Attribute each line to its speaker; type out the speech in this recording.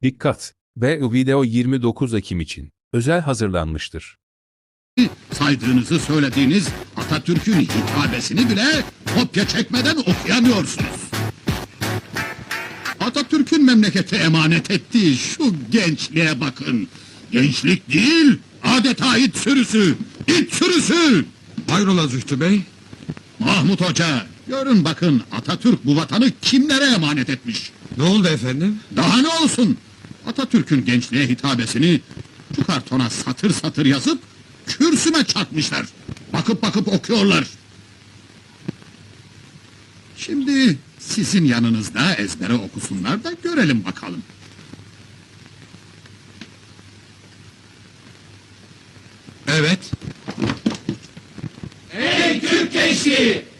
Speaker 1: Dikkat! Ve video 29 Ekim için özel hazırlanmıştır.
Speaker 2: Saydığınızı söylediğiniz Atatürk'ün hitabesini bile kopya çekmeden okuyamıyorsunuz. Atatürk'ün memlekete emanet ettiği şu gençliğe bakın. Gençlik değil, adeta it sürüsü, it sürüsü!
Speaker 3: Hayrola Zühtü Bey?
Speaker 2: Mahmut Hoca, görün bakın Atatürk bu vatanı kimlere emanet etmiş?
Speaker 3: Ne oldu efendim?
Speaker 2: Daha ne olsun? Atatürk'ün gençliğe hitabesini şu kartona satır satır yazıp kürsüme çakmışlar. Bakıp bakıp okuyorlar. Şimdi sizin yanınızda ezbere okusunlar da görelim bakalım.
Speaker 3: Evet.
Speaker 4: Ey Türk gençliği!